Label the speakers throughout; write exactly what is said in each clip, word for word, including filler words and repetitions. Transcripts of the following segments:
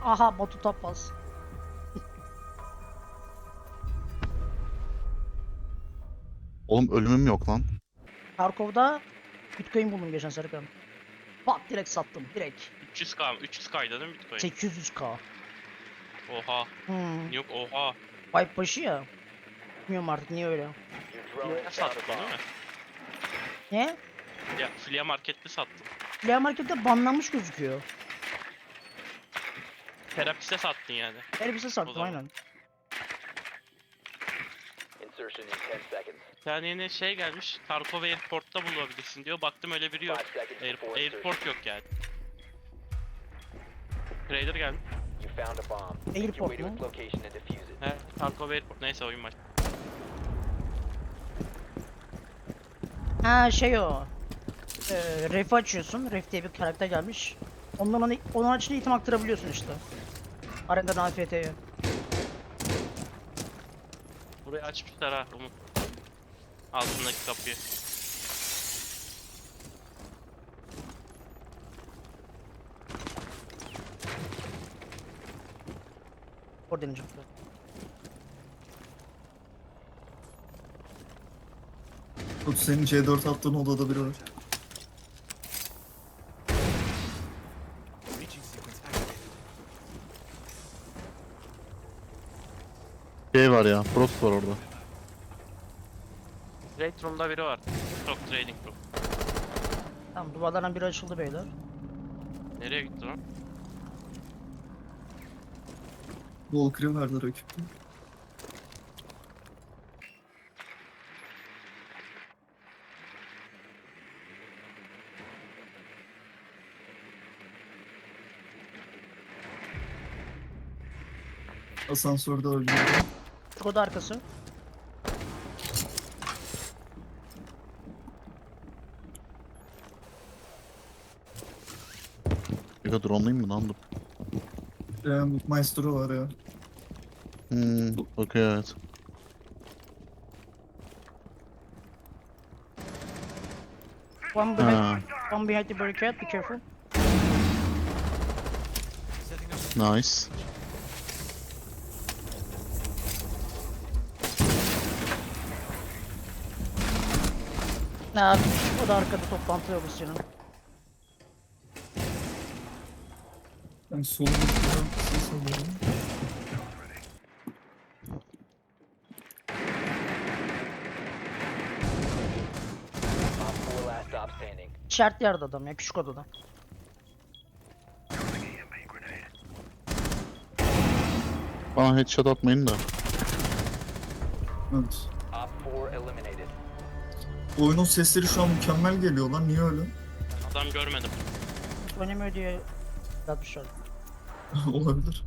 Speaker 1: Aha Batu Tapaz.
Speaker 2: Oğlum ölümüm yok lan.
Speaker 1: Tarkov'da Bitcoin buldum geçen Serkan. Bak direkt sattım direkt.
Speaker 3: üç yüz K mı? üç yüz K'ydı değil mi Bitcoin?
Speaker 1: sekiz yüz K.
Speaker 3: Oha.
Speaker 1: Hmm.
Speaker 3: Yok oha.
Speaker 1: Wipe başı ya. Bilmiyorum artık niye öyle.
Speaker 3: Ne sattın değil mi?
Speaker 1: Ne?
Speaker 3: Ya Flea Market'te sattım.
Speaker 1: Flea Market'te banlanmış gözüküyor.
Speaker 3: Terapiste sattın yani.
Speaker 1: Elbise
Speaker 3: O
Speaker 1: sattım
Speaker 3: zaman.
Speaker 1: aynen.
Speaker 4: Insertion in ten seconds.
Speaker 3: Bir tane yeni şey gelmiş. Tarkov Airport'ta bulabilirsin diyor. Baktım öyle biri yok.
Speaker 4: Five seconds
Speaker 3: Air,
Speaker 4: before
Speaker 3: airport yok yani. Trader geldi.
Speaker 4: You found a bomb. Make your
Speaker 1: Airport
Speaker 4: way to
Speaker 1: mu?
Speaker 4: its location and defuse it.
Speaker 3: He, Tarkov Airport. Neyse oyun baş.
Speaker 1: Ha şey o. Ee, Ref'i açıyorsun. Ref diye bir karakter gelmiş. Ondan ona, onun açınca item aktarabiliyorsun işte. Arena'dan A F T'ye.
Speaker 3: Burayı açmışlar ha Umut. Altındaki kapıyı.
Speaker 1: Orada deneyeceğim.
Speaker 5: Tut senin C dört attığın odada biri var.
Speaker 2: Şey var ya. Frost var orada.
Speaker 3: Trade Room'da biri var. Stock Trading Room.
Speaker 1: Tamam duvarlardan biri açıldı beyler.
Speaker 3: Nereye gitti lan?
Speaker 5: Valkyrie vardı rakipte. Asansörde öldü.
Speaker 1: Şu oda arkası.
Speaker 2: Bir de drone'layım mı lan dur.
Speaker 5: Ee, Maestro var ya.
Speaker 2: Hmm, okey evet.
Speaker 1: One behind,
Speaker 2: Ha,
Speaker 1: one behind the barricade. Be careful.
Speaker 2: nice.
Speaker 1: Ha, o da arkada toplantı yok senin.
Speaker 5: Ben solumda ses alıyorum.
Speaker 4: Op four last stop standing.
Speaker 1: İşaretli yerde adam ya küçük odada.
Speaker 2: Bana headshot atmayın da.
Speaker 5: Evet.
Speaker 4: Op four eliminated.
Speaker 5: Oyunun sesleri şu an mükemmel geliyor lan. Niye öyle?
Speaker 3: Adam görmedim.
Speaker 1: Hiç oynamıyor diye yapmışlar.
Speaker 5: Olabilir.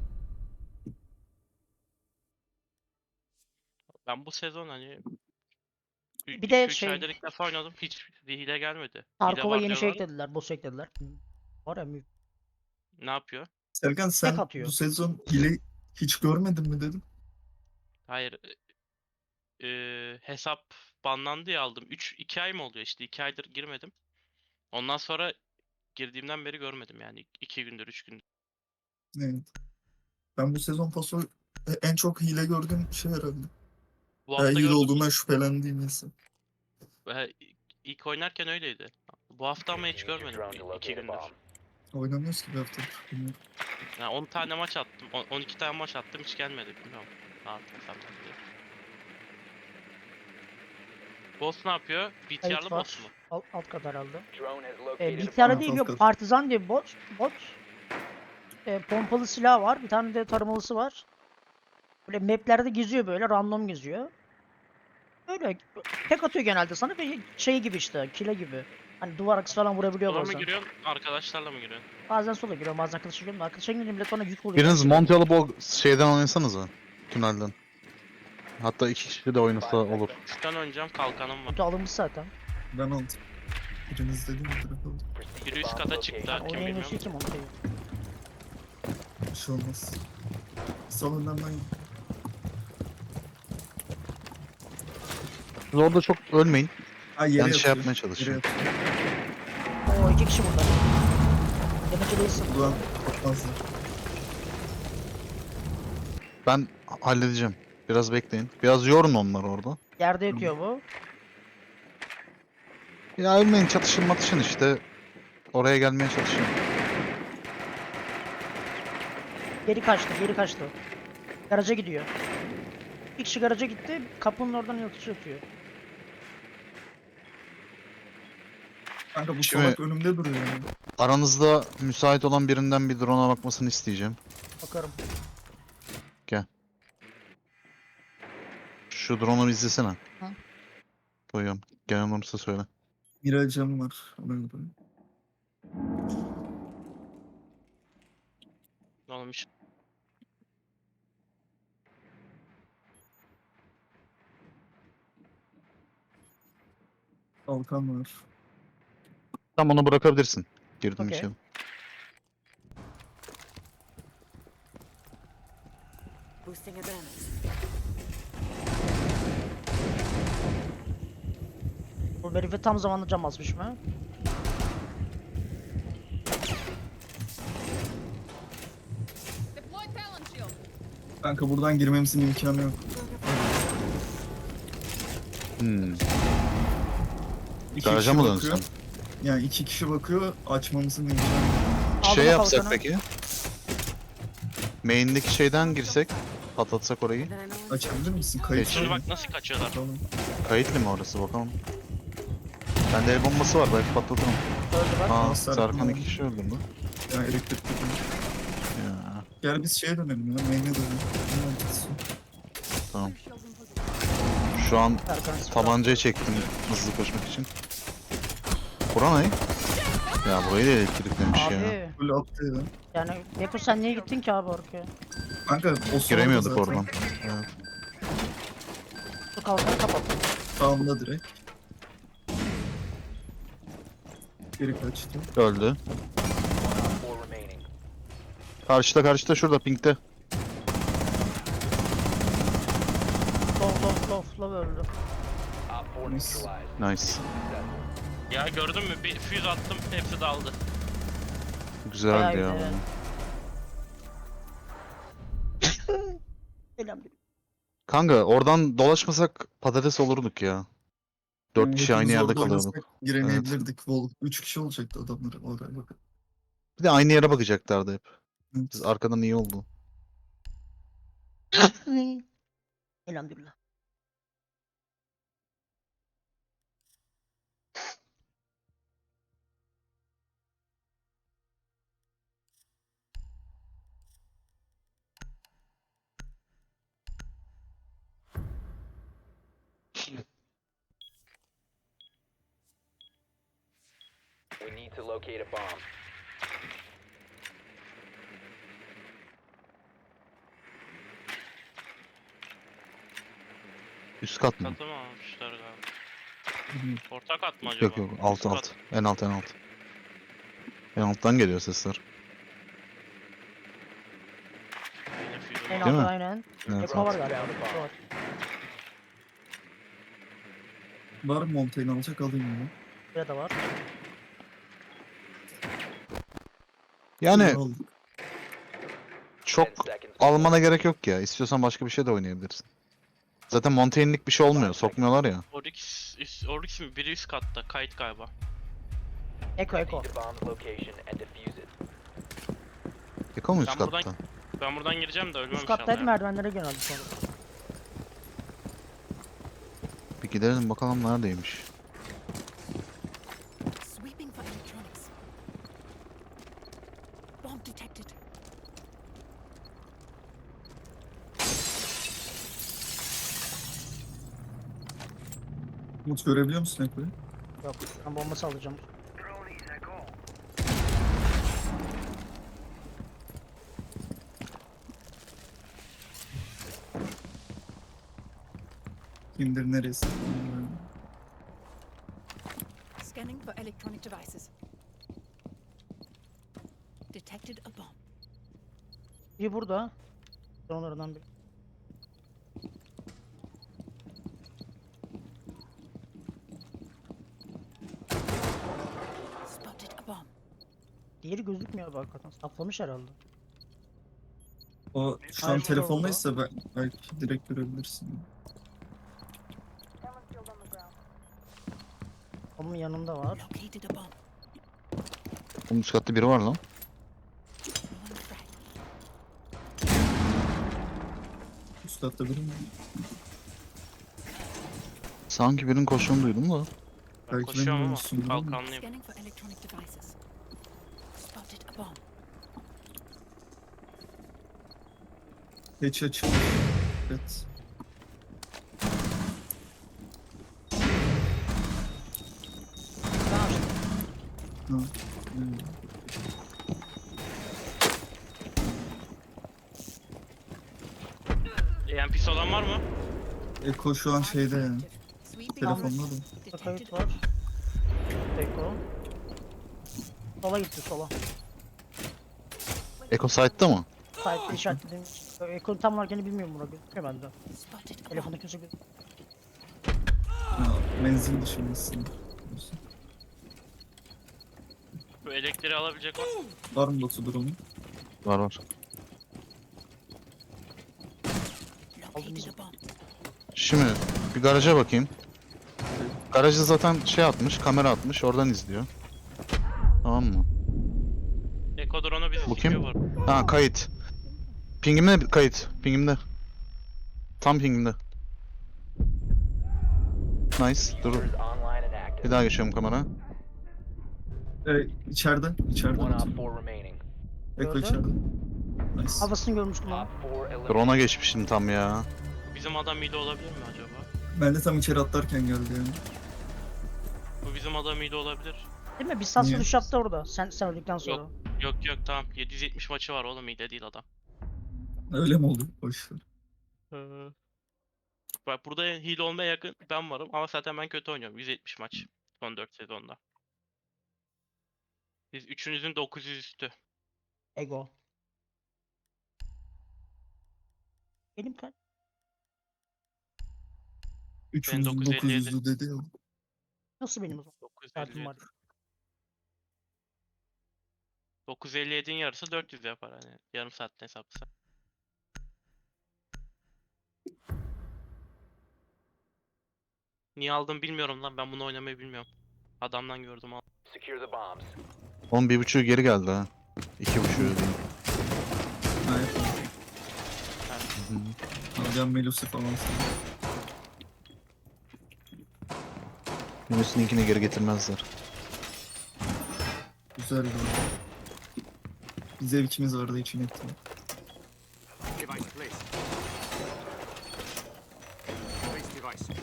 Speaker 3: Ben bu sezon hani
Speaker 1: Bir de
Speaker 3: üç
Speaker 1: şey-
Speaker 3: aydır ilk defa oynadım. Hiç bir hile gelmedi. Hile
Speaker 1: Tarkov'a
Speaker 3: var
Speaker 1: yeni şey
Speaker 3: diyorlar.
Speaker 1: eklediler, boss eklediler. Var ya mü-
Speaker 3: Ne yapıyor?
Speaker 5: Serkan sen
Speaker 1: atıyor.
Speaker 5: bu sezon hile hiç görmedin mi dedim.
Speaker 3: Hayır. e, e, hesap banlandı ya aldım. üç iki ay mı oluyor işte? iki aydır girmedim. Ondan sonra girdiğimden beri görmedim yani. iki gündür, üç gündür.
Speaker 5: Evet. Ben bu sezon paso e, en çok hile gördüğüm şey herhalde.
Speaker 3: Bu
Speaker 5: Ya,
Speaker 3: hafta
Speaker 5: hile
Speaker 3: gördüm.
Speaker 5: olduğundan şüphelendiğim insan.
Speaker 3: Ve ilk oynarken öyleydi. Bu hafta ama hiç
Speaker 4: Use your
Speaker 3: görmedim.
Speaker 4: drone to
Speaker 3: iki
Speaker 4: locate a
Speaker 3: gündür.
Speaker 4: bomb.
Speaker 5: Oynamıyoruz ki bir haftadır. Bilmiyorum.
Speaker 3: Yani on tane maç attım. on- on iki tane maç attım hiç gelmedi. Bilmiyorum. Artık hesaptan diye. Boss ne yapıyor? B T R'lı
Speaker 1: Kayıt var.
Speaker 3: boss mu?
Speaker 1: Alt, alt kat herhalde.
Speaker 4: Drone has
Speaker 1: E,
Speaker 4: located a
Speaker 1: bir tane
Speaker 4: bomb.
Speaker 1: değil
Speaker 5: alt
Speaker 1: yok
Speaker 5: kat.
Speaker 1: partizan diye bir bot. Bot. E, pompalı silah var. Bir tane de tarımalısı var. Böyle maplerde geziyor böyle random geziyor. Öyle tek atıyor genelde sana ve şey gibi işte kile gibi. Hani duvar arkası falan vurabiliyor
Speaker 3: Sola mı
Speaker 1: bazen.
Speaker 3: giriyorsun? Arkadaşlarla mı giriyorsun?
Speaker 1: Bazen sola giriyorum bazen arkadaşa giriyorum. da Arkadaşa girince millet bana yük oluyor.
Speaker 2: Biriniz monte alıp o şeyden oynasanıza. Tünelden. Hatta iki kişi de oynasa olur.
Speaker 3: Üçten oynayacağım kalkanım var.
Speaker 1: Kötü alınmış zaten.
Speaker 5: Ben aldım. Biriniz dedi mi direkt aldım.
Speaker 4: Proceed
Speaker 3: Biri
Speaker 4: to
Speaker 3: üst
Speaker 4: bomb
Speaker 3: kata
Speaker 4: location.
Speaker 3: çıktı.
Speaker 1: Yani
Speaker 3: Kim
Speaker 1: oynayamıyorsun
Speaker 3: bilmiyorum.
Speaker 1: ki monteyi.
Speaker 5: Bir şey olmaz. Salondan ben
Speaker 2: Siz orada çok ölmeyin.
Speaker 5: Ha, yere
Speaker 2: Ben şey
Speaker 5: yatıyor.
Speaker 2: yapmaya çalışıyorum.
Speaker 5: Yere yatıyor.
Speaker 1: Oo iki kişi burada. Demeci değilsin.
Speaker 5: Ulan korkmazlar.
Speaker 2: Ben halledeceğim. Biraz bekleyin. Biraz yorun onları orada.
Speaker 1: Yerde yatıyor bu.
Speaker 2: Ya ölmeyin, çatışın matışın işte. Oraya gelmeye çalışın.
Speaker 1: Geri kaçtı, geri kaçtı. Garaja gidiyor. Bir kişi garaja gitti, kapının oradan yatış atıyor.
Speaker 5: Kanka bu
Speaker 2: Şimdi-
Speaker 5: salak önümde duruyor yani.
Speaker 2: Aranızda müsait olan birinden bir drone'a bakmasını isteyeceğim.
Speaker 1: Bakarım.
Speaker 2: Şu drone'u bir izlesene.
Speaker 1: Hı.
Speaker 2: Koyuyorum. Gelen olursa söyle.
Speaker 5: Miracım var. Ona göre.
Speaker 3: Ne olmuş?
Speaker 5: Kalkan var.
Speaker 2: Tam onu bırakabilirsin. Girdim
Speaker 1: Okey.
Speaker 2: içeri.
Speaker 6: Boosting awareness.
Speaker 1: Bu herife tam zamanlı cam basmış mı?
Speaker 6: Deploy Talon Shield.
Speaker 5: Kanka buradan girmemizin imkanı yok.
Speaker 2: Hmm.
Speaker 5: İki
Speaker 2: Garaja
Speaker 5: kişi
Speaker 2: mı
Speaker 5: bakıyor.
Speaker 2: dönsün?
Speaker 5: Yani iki kişi bakıyor. Açmamızın imkanı yok.
Speaker 1: Aldım
Speaker 2: Şey
Speaker 1: o
Speaker 2: yapsak
Speaker 1: kalkanı.
Speaker 2: peki? Main'deki şeyden girsek, patlatsak orayı.
Speaker 6: Then I know when
Speaker 5: Açabilir misin? Kayıt
Speaker 2: Geç.
Speaker 3: Şimdi
Speaker 5: var.
Speaker 3: bak nasıl kaçıyorlar.
Speaker 5: Tamam.
Speaker 2: Kayıtlı mı orası bakalım. Bende el bombası var, belki patlatırım.
Speaker 1: Öldü bak.
Speaker 2: Aa,
Speaker 5: Aa, Serkan
Speaker 2: Serkan iki
Speaker 5: oldu.
Speaker 2: kişi öldürdü.
Speaker 5: Ya elektrik takımı.
Speaker 2: Ya,
Speaker 5: Gel biz şeye dönelim ya. Main'e dönelim. Ne mantıklısı?
Speaker 2: tamam.
Speaker 6: shields in position.
Speaker 2: Şu an
Speaker 1: Erkan sıfır.
Speaker 2: tabancayı çektim hızlı koşmak için. Bura ne? Ya burayı da elektriklemiş ya.
Speaker 1: Abi
Speaker 5: Böyle attı ya.
Speaker 1: yani Beko sen niye gittin ki abi oraya?
Speaker 5: Kanka o sırada
Speaker 2: Giremiyorduk
Speaker 5: zaten
Speaker 2: oradan. Evet.
Speaker 1: Şu kalkanı kapat.
Speaker 5: Sağımda direkt. Geri kaçtı.
Speaker 2: Öldü.
Speaker 4: Op four remaining.
Speaker 2: Karşıda karşıda şurada pinkte.
Speaker 1: Low low low low öldü.
Speaker 4: Op four
Speaker 5: Nice.
Speaker 4: neutralized.
Speaker 2: Nice.
Speaker 4: Successful.
Speaker 3: Ya gördün mü? Bir füze attım, hepsi daldı.
Speaker 2: Güzeldi
Speaker 1: Bayağı
Speaker 2: ya.
Speaker 1: güzel.
Speaker 2: bu.
Speaker 1: Elhamdülillah.
Speaker 2: Kanka oradan dolaşmasak patates olurduk ya. Dört
Speaker 5: Yani
Speaker 2: kişi aynı
Speaker 5: hepimiz
Speaker 2: yerde
Speaker 5: orada
Speaker 2: kalıyorduk.
Speaker 5: oynasak Giremeyebilirdik. Vol. Üç kişi olacaktı adamlar oraya bakın.
Speaker 2: Bir de aynı yere bakacaklardı hep.
Speaker 5: Evet.
Speaker 2: Biz arkadan iyi oldu.
Speaker 1: Elhamdülillah.
Speaker 4: We need to locate a bomb.
Speaker 2: Üst kat mı?
Speaker 3: Katı mı almışlar galiba?
Speaker 5: Bilmiyorum.
Speaker 3: Orta kat mı acaba?
Speaker 2: Yok yok alt
Speaker 3: Üst
Speaker 2: alt.
Speaker 3: kat.
Speaker 2: En alt en alt. En alttan geliyor sesler.
Speaker 3: Yine füze
Speaker 1: En
Speaker 3: var.
Speaker 2: Değil mi?
Speaker 1: altta aynen.
Speaker 2: Evet.
Speaker 1: Eko var galiba. Eko var.
Speaker 5: Var mı Montaigne alacak alayım onu.
Speaker 1: Buraya da var.
Speaker 2: Yani
Speaker 5: Aldık.
Speaker 2: çok
Speaker 4: Ten seconds.
Speaker 2: almana gerek yok ya. İstiyorsan başka bir şey de oynayabilirsin. Zaten Montaigne'lik bir şey olmuyor. Sokmuyorlar ya.
Speaker 3: Oryx, üst, Oryx mi? Biri üst katta. Kayıt galiba.
Speaker 1: Eko Eko.
Speaker 4: Proceed to bomb's location and defuse it.
Speaker 2: Yıkıyor mu üst
Speaker 3: Ben buradan-
Speaker 2: katta?
Speaker 3: Ben buradan gireceğim de ölmem
Speaker 1: Üst
Speaker 3: inşallah.
Speaker 1: kattaydı
Speaker 3: ya.
Speaker 1: merdivenlere geldi sonra.
Speaker 2: Bir gidelim bakalım neredeymiş.
Speaker 6: Sweeping for electronics. Bomb detected.
Speaker 5: Umut görebiliyor musun Eko'yu?
Speaker 1: Yok ben bombası alacağım.
Speaker 5: Kimdir neresi?
Speaker 6: Scanning for electronic devices. Detected a bomb.
Speaker 1: Bir burada. Onlardan biri.
Speaker 6: Spotted a bomb.
Speaker 1: Diğeri gözükmüyor bak hakikaten. Saklamış herhalde.
Speaker 5: O şu
Speaker 1: Aynen,
Speaker 5: an
Speaker 1: orada.
Speaker 5: telefondaysa ben, belki direkt görebilirsin.
Speaker 1: Onun yanında var.
Speaker 6: Located a bomb.
Speaker 2: Onun üst katta biri var lan.
Speaker 6: Throwing frag.
Speaker 5: Üst katta biri mi?
Speaker 2: Sanki birinin koştuğunu duydum da.
Speaker 3: Ben
Speaker 5: Belki
Speaker 3: koşuyorum
Speaker 5: benim
Speaker 3: ama
Speaker 5: olsun, değil mi?
Speaker 3: kalkanlıyım.
Speaker 6: Scanning for electronic devices. Spotted a bomb.
Speaker 5: Geç açılmış. Evet.
Speaker 1: Ben açtım.
Speaker 5: Ha. Hmm.
Speaker 3: E M P'si olan var mı?
Speaker 5: Eko şu an şeyde yani.
Speaker 6: Sweeping
Speaker 5: Telefonda
Speaker 6: route.
Speaker 5: da.
Speaker 1: Burada
Speaker 6: Detected
Speaker 1: kayıt
Speaker 6: a
Speaker 1: var. Eko. Sola gitti sola.
Speaker 2: Echo site'da mı?
Speaker 1: Sahipte işaretledim. Eko'nun tam olarak yeni bilmiyorum buna. Gözüküyor bende.
Speaker 6: spotted a bomb.
Speaker 1: Telefonda kimse gözükmüyor.
Speaker 5: Ha, menzil dışındasın.
Speaker 3: Bu elektriği alabilecek var.
Speaker 5: Var mı Batu durumu?
Speaker 2: Var var.
Speaker 6: Located a bomb.
Speaker 2: Şimdi bir garaja bakayım. Garajda zaten şey atmış, kamera atmış, oradan izliyor. Tamam mı?
Speaker 3: Eko drone'u bizi
Speaker 2: Bu
Speaker 3: sikiyor
Speaker 2: kim?
Speaker 3: bu arada.
Speaker 2: Ha kayıt. Pingimde kayıt. Pingimde. Tam pingimde. Nice. Dur.
Speaker 4: Diffusers online and
Speaker 2: Bir
Speaker 4: active.
Speaker 2: daha geçiyorum kamera.
Speaker 5: Evet, içeride. İçeride.
Speaker 4: One
Speaker 5: Batu.
Speaker 4: op four remaining.
Speaker 5: Eko
Speaker 1: Gördün?
Speaker 5: içeride. Nice.
Speaker 1: Havasını görmüştüm
Speaker 4: Op
Speaker 1: lan.
Speaker 4: four eliminated.
Speaker 2: Drone'a geçmiştim tam ya.
Speaker 3: Bizim adam hile olabilir mi acaba?
Speaker 5: Ben de tam içeri atlarken geldi yani.
Speaker 3: Bu bizim adam hile olabilir.
Speaker 1: Değil mi? Bir sas
Speaker 5: Niye?
Speaker 1: vuruş yaptı orada. Sen, sen öldükten sonra.
Speaker 3: Yok yok tamam. yedi yüz yetmiş maçı var oğlum, hile değil adam.
Speaker 5: Öyle mi oldu? Boş ver.
Speaker 3: Ee, Bak burada hile olmaya yakın ben varım ama zaten ben kötü oynuyorum. yüz yetmiş maç son dört sezonda. Biz üçünüzün dokuz yüz üstü.
Speaker 1: Ego. Benim kaç?
Speaker 5: Üçümüzün
Speaker 3: dokuz elli yedi.
Speaker 5: dokuz yüzü dedi ya.
Speaker 1: Nasıl benim o zaman?
Speaker 3: dokuz yüz
Speaker 1: Saatim
Speaker 3: elli
Speaker 1: var.
Speaker 3: yedi. dokuz yüz elli yedi'nin yarısı dört yüz yapar hani. Yarım saatte hesaplasa. Niye aldım bilmiyorum lan. Ben bunu oynamayı bilmiyorum. Adamdan gördüm aldım.
Speaker 4: Secure the bombs.
Speaker 2: Onun bir buçuğu geri geldi ha. İki buçuğu diyeyim.
Speaker 5: Ha, yapalım.
Speaker 2: Hı hı.
Speaker 5: Alacağım Melus'u falan sana.
Speaker 2: Yunus'unkini geri getirmezler.
Speaker 5: Güzel bir Bir zevkimiz vardı için ettim.
Speaker 7: Device placed. Place device.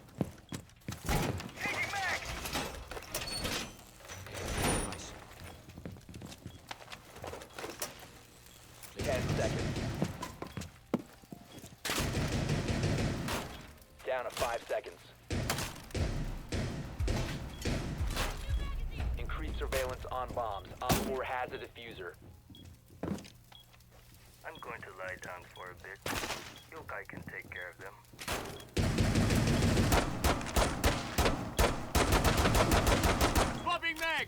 Speaker 7: Device.
Speaker 4: Ten seconds. Down to five seconds. Increased surveillance on bombs. Op four has a diffuser.
Speaker 8: I'm going to lie down for a bit. Yokai can take care of them.
Speaker 7: Popping mag!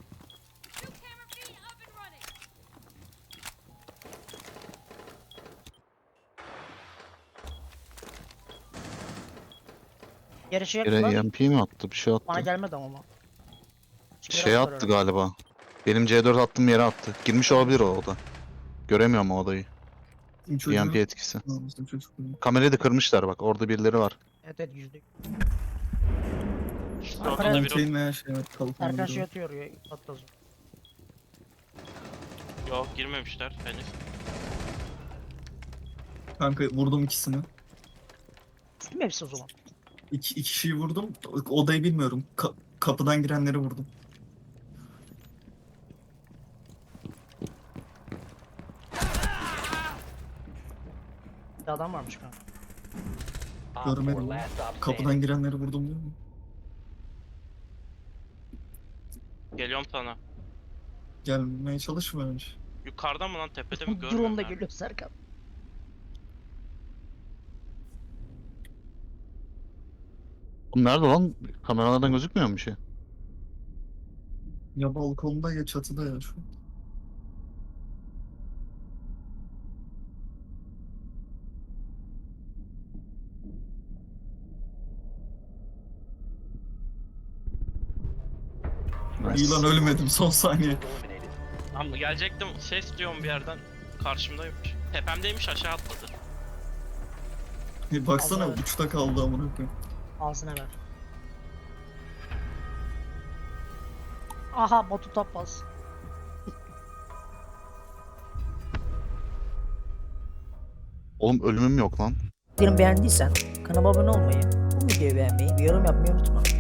Speaker 1: Yere şey
Speaker 2: Yere
Speaker 1: yaptılar.
Speaker 2: E M P mi attı? Bir şey
Speaker 1: Bana
Speaker 2: attı.
Speaker 1: gelmedi ama. Şeyler
Speaker 2: Şey
Speaker 1: attılar
Speaker 2: attı
Speaker 1: öyle.
Speaker 2: galiba. Benim C dört attığım yere attı. Girmiş olabilir o oda. Göremiyorum o odayı.
Speaker 5: Bizim
Speaker 2: E M
Speaker 5: çocuğu...
Speaker 2: P etkisi.
Speaker 5: Ha, bizim çocuk.
Speaker 2: Kamerayı da kırmışlar bak. Orada birileri var.
Speaker 1: Evet evet yüzde.
Speaker 3: İşte
Speaker 1: Arkadaşlar-
Speaker 3: orada da bir
Speaker 5: Contain veya şey var. Kalkan
Speaker 1: Erkan
Speaker 5: biri
Speaker 1: şey
Speaker 5: var.
Speaker 1: atıyor ya. Atlas.
Speaker 3: Yok girmemişler henüz.
Speaker 5: Kanka vurdum ikisini.
Speaker 1: Değil mi hepsi o zaman?
Speaker 5: İki, iki kişiyi vurdum. O- Odayı bilmiyorum. Ka- kapıdan girenleri vurdum.
Speaker 1: Bir adam varmış kanka.
Speaker 4: Op four
Speaker 5: Görmedim.
Speaker 4: last stop
Speaker 5: Kapıdan
Speaker 4: standing.
Speaker 5: girenleri vurdum diyor mu?
Speaker 3: Geliyorum sana.
Speaker 5: Gelmeye çalışma önce.
Speaker 3: Yukarıda mı lan, tepede mi görmüyorum
Speaker 1: Drone da
Speaker 3: ben.
Speaker 1: geliyor Serkan.
Speaker 2: Oğlum nerede lan? Kameralardan gözükmüyor mu bir şey?
Speaker 5: Ya balkonda ya çatıda ya şu an. İyi lan ölmedim son saniye.
Speaker 4: Eliminated.
Speaker 3: Ama gelecektim, ses duyuyorum bir yerden. Karşımdaymış. Tepemdeymiş, aşağı atladı.
Speaker 5: E, baksana
Speaker 1: Allah.
Speaker 5: uçta kaldı amına koyayım.
Speaker 1: Ağzına ver. Aha Batu Tapaz.
Speaker 2: Oğlum ölümüm yok lan.
Speaker 1: Videomu beğendiysen kanalıma abone olmayı, bu videoyu beğenmeyi, bir yorum yapmayı unutma.